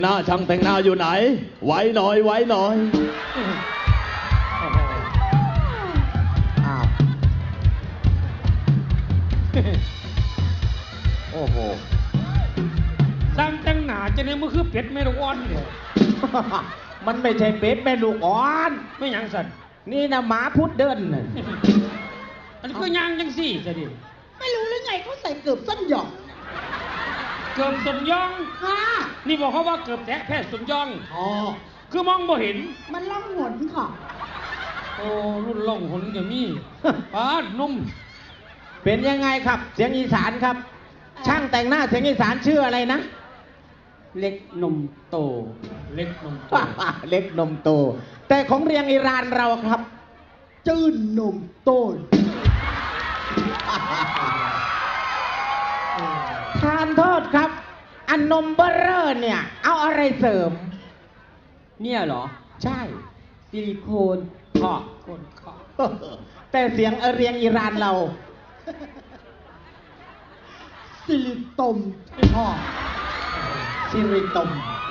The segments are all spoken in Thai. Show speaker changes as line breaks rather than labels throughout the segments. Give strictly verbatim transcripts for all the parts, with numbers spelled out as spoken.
หน้าช่างแต่งหน้าอยู่ไหนไว้หน่อยไว้หน่อย
อ้าวโอ้โห
สร้างแต่งหน้าจะเนี่ยมันคือเป็ดแม่ลูกอ่อนเนี่ย
มันไม่ใช่เป็ดแม่ลูกอ่อน
ไม่หยังสัน
นี่นะหมาพุดเดินน่ะ
อันนี้ก็ยางจังสี่จะดิ
ไม่รู้หรือไงเขาใส่เกือบส้นหยอง
เกือบสมยอง
ค่ะ
นี่บอกเขาว่าเกือบแตะแพทย์สมยอง
อ๋อ
คือมองบ่เห็น
มันล่องหนค่ะ
โอ้รุ่นล่องหนจะมีปาดนุ่ม
เป็นยังไงครับ เสียงอีสานครับ ช่างแต่งหน้าเสียงอีสานชื่ออะไรนะ
เล็กนมโต เล็กนมโต
เล็กนมโต แต่ของเรียงอิรานเราครับ
จื้นนมต้น
ทานโทษครับ อันนมเบอร์เรอร์เนี่ย เอาอะไรเสริม
เนี่ยเหรอ
ใช่
ซิลิโคนขอบคนขอบ
แต่เสียงเรียงอิรานเรา
สิริตมพ่อ
ซิริตม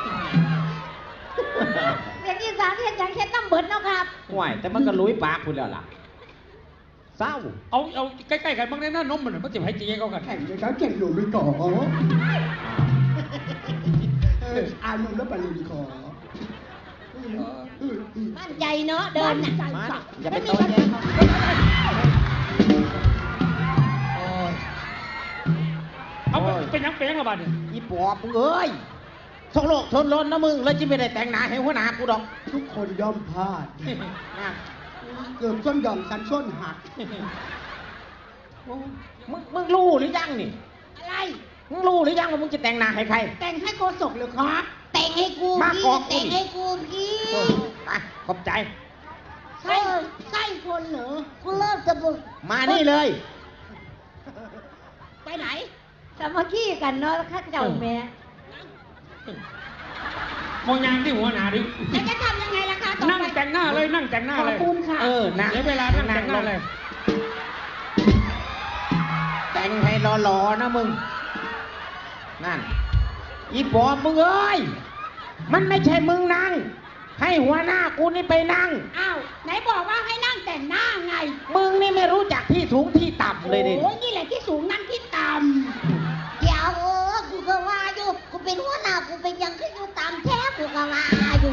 เด็กอีสานเห็นอย่างเช่นน้ำเบิดเนาะครับ
ห่วยแต่มันก็ลุยปากคุณแล้วล่ะเศร้า
เอาเอาใกล้ๆกันบ้างได้หน้านมมันมันจะให้จีเขากัน
แข่งเลยครับแข่งหนูไปก่อเอออานมแล้วไปเลยดีขอ
มั่นใจเนาะเดินน่ะ
มาอย่าไป
ไม่
โต
มี
แย้ง
เอาเป็นยังเป็นยังกระบาดเนี่ย
อีปอบมึงเอ้ยสองโลกชนล้นนะมึง แล้วจะไม่ได้แต่งหน้าให้หัวหน้ากูดอก
ทุกคนย่อมพลาด
นะ
เกือบส้นหย่อมกันส้นหัก
มึงมึงรู้หรือยังนี่
อะไร
มึงรู้หรือยังว่ามึงจะแต่งหน้าให้ใคร
แต่งให้โกศกเลยครับ
แต่งให้กู
มา
พี่
กอกกู
แต่งให้กูพี่
อ่ะขอบใจ
ใช่ใช่คนเหรอกูเริ่มจะบุก
มานี่เลย
ไปไหนสามัคคีกันเนาะข้าเจ้าแม่
มองยางที่หัวหนาดิ
แล้วจะทำยังไงล่ะคะต่อ
นั่ง
ไป
แต่งหน้าเลยนั่งแต่งหน้า
ขอบ
เลย
คุณค่ะ
เออนะ
เดี๋ยวเวลานั่งแต่งหน้าเลย
แต่งให้หล่อๆนะมึง นั่น อีปอบมึงเอ้ย มันไม่ใช่มึงนั่ง ให้หัวหน้ากูนี่ไปนั่ง
อ้าวไหนบอกว่าให้นั่งแต่งหน้าไง
มึงนี่ไม่รู้จักที่สูงที่ต่ำเลยดิ
โอ้ยนี่แหละที่สูงนั่นที่ต่ำเดี๋ยวเออกูก็ว่าอยู่กูเป็นหัวหน้ากูเป็นยังขึ้นอยู่ตามแท้กูก็ว่าอยู่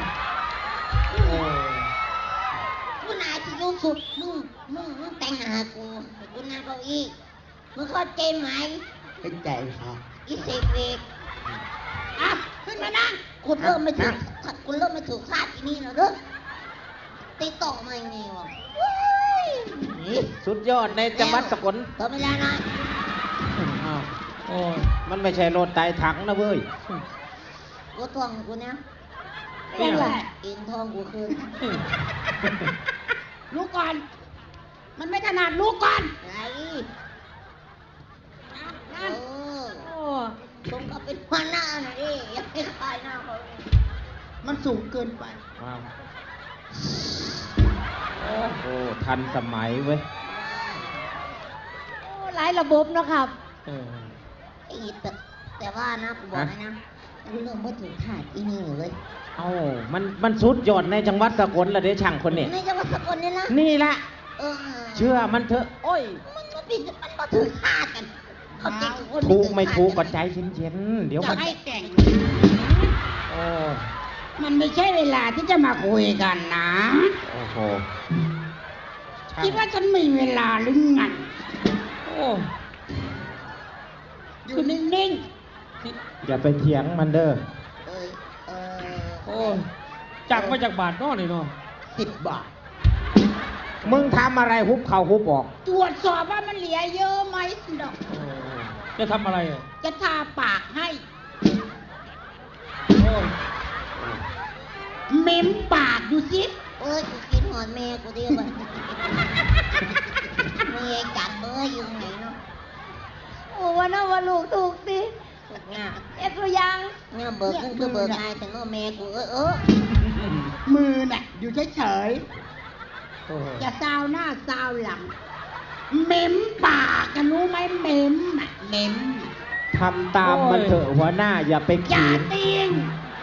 กูนายที่รู้สุดมึงมึงมึงแต่งหากูกูนั่งเก้าอี้มึงเข้าใจไหม
เป็นใจครับ
อีเสกเวกอ่ะขึ้นมานั่งกูเริ่มไม่ถูกกูเริ่มไม่ถูกคาดที่นี่แล้วเด้อติดต่อมาอย่างนี้วะ
สุดยอดในจังหวัดสกล
ต่อเวลาหน่อย
อ้าว
โอ้ย
มันไม่ใช่รถไต่ถังนะเว้ย
กูทวงกูนะ
เป็นไง
อินทองกูคืน
ลูกก่อน มันไม่ถนัดลูกก่อน
ไงนั่นโอ้สมกับเป็นหัวหน้าหน่อยดิอย่าไปคายหน้าเขาเลย
มันสูงเกินไป
ว้าวโอ้โหทันสมัยเว้ย
โอ้หลายระบบนะครับ
เออ
ไอ้แต่แต่ว่านะกูบอกให้นะเรื่องไม่ถึงคาดอีนี่เลย
เอ้ามันมันสุดยอดในจังหวัดสกลละเด้ช่างคนนี้
ในจังหวัดสกลเนี่ยนะ
นี่แหละ
เออ
เชื่อมันเถอะ โอ้ย
มันก็ผิดมันก็ถึงคาดกันเขาจริงกับคน
ถูก
ถึง
ไม่
คาด
ถูกก็ใจเย็นๆเดี๋ยว
จะ
มัน
ให้แต่ง
โอ้
มันไม่ใช่เวลาที่จะมาคุยกันนะ
โอ้โหช่าง
คิดว่าฉันมีเวลาหรือไง
โอ้
อยู่นิ่ง
อย่าไปเถียงมันเด้อ
เออเออ
โอ้ยจากมาจากบาทเนอนี่เนาะ
ๆสิบบาท
มึงทำอะไรฮุบเข่าฮุบออก
ตรวจสอบว่ามันเหลือเยอะไหมดอก
จะทำอะไรอ่ะ
จะทาปากให้
โอ้ย
เม้มปากดูสิ
เอ้ยกูกินหอนแม่กูดิบันแม่จับเบอร์อยู่ไหนเนาะโอ้วันนั้นวันลูกถูกสิเนี่ยเอ็ดตัวยังเนี่ยเบิกขึ้นคือเบิกง่ายแต่เนาะแม่กูเออเออ
มือน่ะอยู่เฉย
โอ้ย
ๆจะซาวหน้าซาวหลัง เม้มปากกันรู้ไหมเม้มอะเม้ม
ทำตามมันเถอะหัวหน้าอย่าไป
อย่า
ขีด
ตีง
อ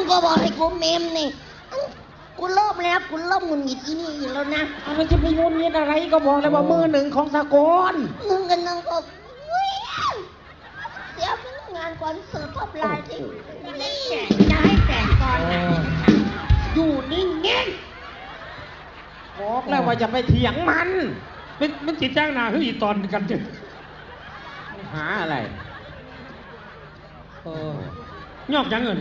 ก็บอกให้กูเมมนี่กูเริ่มแล้วกูเริ่มหงุดหงิดอีนี่อีกแล้วนะ
เอามันจะไปงุนงิดอะไรก็บอกเลยว่ามือหนึ่งของสากล
หนึ่งกันหนึ่งก็วิ่งเสียพนักงานก่อนเสิร์ฟท็อปไลน์ที่นี่
จะให้แต่งตอนไหนอยู่นิ่ง
บอกแล้วว่าจะไปเถียงมัน
มันมันจิตจ้างหนาคืออีตอนกันจึง
หาอะไร
เออยอกยังเงิน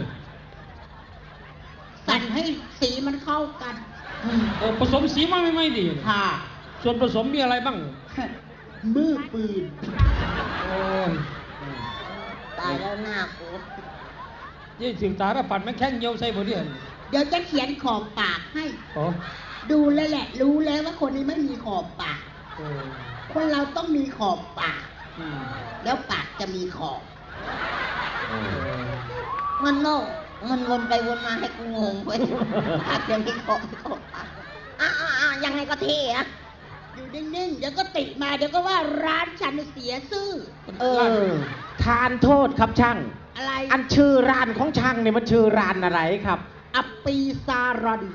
ๆสั่นให้สีมันเข้ากัน
เออผสมสีมาไม่ไม่ดี
ค่ะ
ส่วนผสมมีอะไรบ้าง
มือปืน
โอ้ย
ตายแล้วหน้ากู
ยี่ถึงตาแล้วปัดมันแข้งเยียวใส่บ่เดียน
เดี๋ยวจะเขียนขอบปากให้
โอ้
ดูแล้วแหละ รู้แล้วว่าคนนี้ไม่มีขอบปาก
โอ้
คนเราต้องมีขอบปาก
อืม
แล้วปากจะมีขอบ
มันโลกมันวนไปวนมาให้กูงงไปอาจจะมีของของอ่ะอ่ะอ่ะยังไงก็เท่อะ
อยู่นิ่งๆ เดี๋ยวก็ติมา เดี๋ยวก็ว่าร้านฉันเสียซื่อ
เออ ทานโทษครับช่าง
อะไร
อันชื่อร้านของช่างเนี่ยมันชื่อร้านอะไรครับ
อัปปีซารอน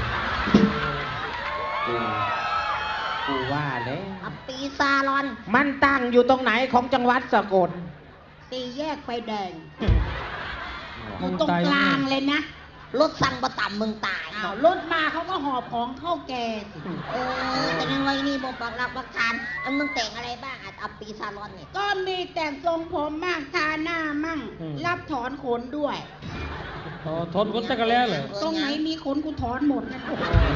กูว่าแล้ว
อัปปีซาลอน
มันตั้งอยู่ตรงไหนของจังหวัดสกล
ตีแยกไฟแดงอ
มึ
ยู่
ง
ตรง
ตาย
กลางเลยนะ
รถสั่งประต่ำมึงตาย
อ้าวรถมาเขาก็หอบของเข้าแกสิ
เออแต่ยังไงนี่บอกปักหลักปักฐานอันมึงแต่งอะไรบ้างอ่ะอัปปีซาลอนเนี่ย
ก็มีแต่งทรงผมมั่งทาหน้ามั่ง รับถอนขนด้วย
อ๋อทนคนสักกะแล้วเหรอ
ตรงไหนมีขนกูถอนหมดนะ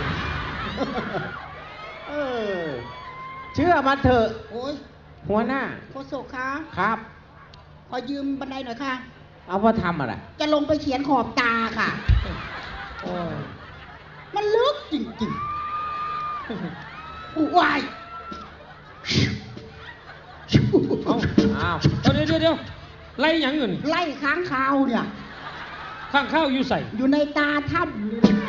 เออ เชื่อมาเถอะ
โอ้ย
หัวหน้า
โคศกคะ
ครับ
ขอยืมบันไดหน่อยค่ะ
เอามาทำอะไร
จะลงไปเขียนขอบตาค่ะ
โอ้ย
มันลึกจริงๆอู้วาย
เอาเอาเอาเดี๋ยวเดี๋ยวเดี๋ยวไล่หยังเงิน
ไล่ค้างคาวเนี่ย
ข้างข้าวอยู่ใส่
อยู่ในตาถ้ำเลยนะ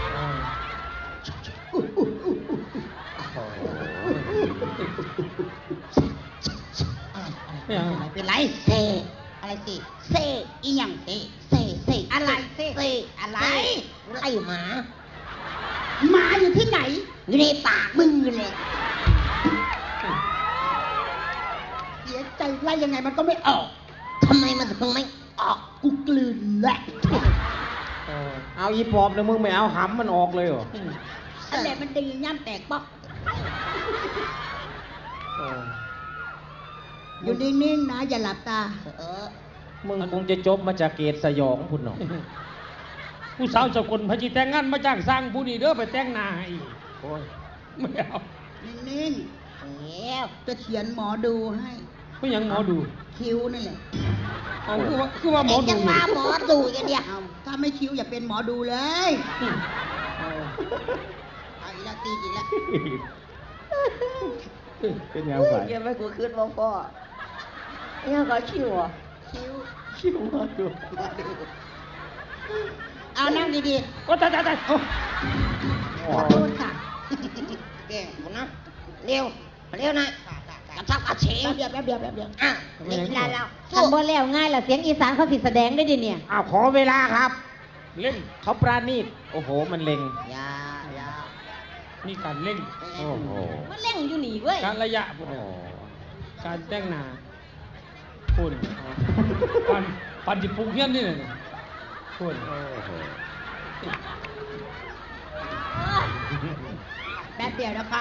ไม่เอา
ไม่เป็นไร
เซอะไรสิเซ
อีหยังเตะ
เซเซ
อะไรเซ
เซ
อะไร
ไล่หมา
หมาอยู่ที่ไหน
อยู่ในปากมึงเลย
เสียใจไล่ยังไงมันก็ไม่ออก
ทำไมมันถึงไม่ออก
กูกลืนแหละ
เออ
เอาอีปอบเนี่ยมึงไม่เอาหำมันออกเลยเหรอ
อันไหนมันดีย่ำแตกปอก
เออ
อยู่นิ่งๆนะ อย่าหลับตา
เออ
มึงคงจะจบมาจากเกตสยองพุ่นเนาะ
ผู้สาวสกุลพระจีแต่งงานมาจ้างสร้างผู้นี้เด้อไปแต่งหน้าให้อีก
โอ้ย
ไม่เอา
นิ่ง
แล้ว
ๆ จะเขียนหมอดูให้
ไม่ยังหมอดู
คิ้วนั่นแหละ
เอาคือว่าคือว่าหมอ
เอ็ง
ดู
ยังมาหมอดูกันเนี่ย
เอาถ้าไม่คิ้วอย่าเป็นหมอดูเลย
อืม
เอาอีกแล้วตีอีกแล้ว
เป็นยังไง
ยังไม่กูขึ้นมาพ่อยังก็ชิวอ่ะ
คิ้ว
คิวมาดู
หมอดูเอานั่งดี
โอ้ตายตายตายโอ้
ๆ ขอโทษค่ะ
เก่งกูนะเร็วเร็วหน่อยกระชับกระเฉง
แป๊บเดียวแป๊บเดียวแป๊บเดียว
อ่ะนี่ลาเรา
ทำบ่แล้วง่ายล่ะเสียงอีสานเขาสิแสดงได้ดิเนี่ย
อ้าวขอเวลาครับ
เล่น
เขาปราณีตโอ้โห มันเล็ง
ยาอยา
มีการเล่น
โอ้โห
มันเล่งอยู่นี่เว้ย
การระยะพวก
โอ้
นั้น
โห
การแต่งหน้าพูดปันปันจิปุกเฮียนนี่เลยพูด
แป๊บเดียวนะคะ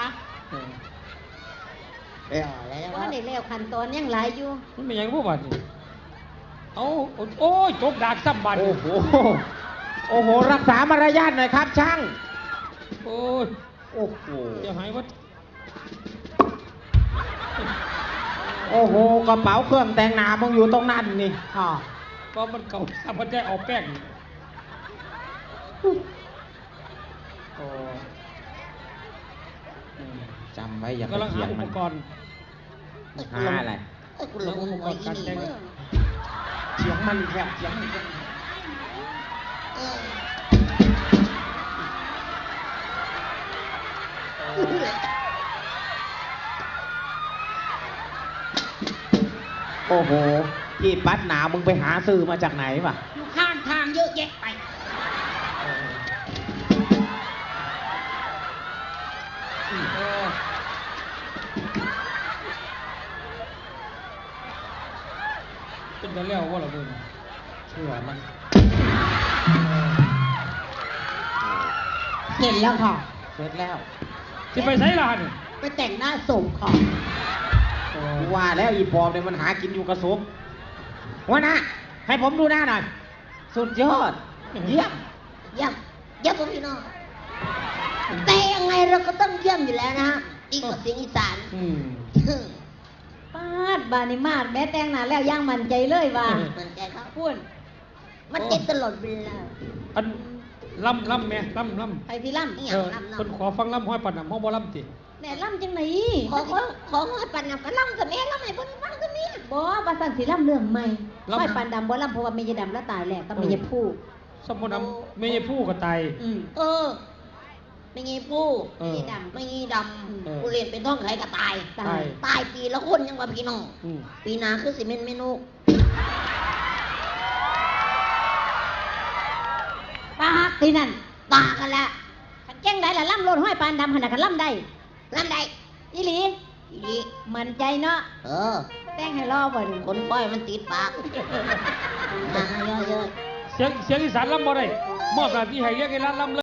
เร็วแล้ว
ว่าในแล้วขั้นตอนยังหลายอยู่
มันเป็นหยังพวกบัดนี่เอาโอ้ยจกดากซ้ำบัด
โอ้โห โอ้โห รักษามารยาทหน่อยครับช่าง
โอ้ย
โอ้โห
จะหายวัด
โอ้โห กระเป๋าเครื่องแต่งหน้ามึงอยู่ตรงนั้นนี่อ๋อ
ก็มันเก่าทำมันได้เอาแป้งโอ้อืม
จำไว้อย่าไป
กำลัง
เถี
หาย
ง
อุ
มั
ป
น
กรณ์
หาอะไร
เอ้ยกูหลงหัวอีนี่เว้ย
เถียงมันอีกแล้วเถียงมันอีกแล้ว
เออ
โอ้โห ที่ปัดหนามึงไปหาซื้อมาจากไหนวะ
อยู่ข้างทางเยอะแยะไป
จะเลี้ยวว่าเราเบิ่งเชื่อมัน
เสร็จแล้วค่ะ
เสร็จแล้ว
สิไปไสล่ะนี่
ไปแต่งหน้าส่งค่ะ
กูว่าแล้วอีปอบเนี่ยมันหากินอยู่กระสบหัวหน้าให้ผมดูหน้าหน่อยสุดยอดเยี่ยม
เยี่ยมเยี่ยมพี่น้องแต่ยังไงเราก็ต้องเยี่ยมอยู่แล้วนะฮะอีกกว่าเสียงอีสาน
อืม
ปาดบานิมาดแม่แต่งหน้าแล้วย่างมันใจเลยว่า
มันใจครับ
พูด
มันเจ็บตลอดเวลา
อันล่ำล่ำแม่ล่ำล่ำ
ไปที่ล่
นี่
เอ
อย่าง
อ
ลำ
คน
เนาะ
ขอฟังล่ำห้อยปัดน้ำห้องบ่ล่ำติ
ำแม่ล่ำจังไหน
ขอขอขอให้ปันนำก็ล่ำกับแม่ล่ำให้เพิ่นฟังกับแม่
บ่ว่าสั่นสิล่ำเรื่องใหม่ค่อยปานดำบ่ล่ำเพราะว่าเมยดำแล้วตายแล้วก็เมยผู้
สมมุติน้ำไม่ใช่ผู้ก็ตาย
อืม
เออ ไม่งี้ผู้
เออ
ไม่งี้ดำไม่งี้ด
เออ
ำกูเรียนเป็นท่องไขก็ตาย
ตาย
ตายปีละคนยังว่าพี่น้อง
อืม
ปีหนาคือสิเมนเมนู
ปากที่นั่น
ตากันละ
ขันแจ้งได้ละล่ำโลดห้อยปานดำหันน่ะขันล่ำได้
ลำใด
อีหลี
อีดี
มันใจเนาะ
เออ
แต่งให้รอบ่ดู
คนป้อยมันติดปากมาเยอะๆ
เสียงเสียงอีสานล่ำบ่ได้มอบหน้าที่ให้เรียกไอ้ร้านล่ำเลย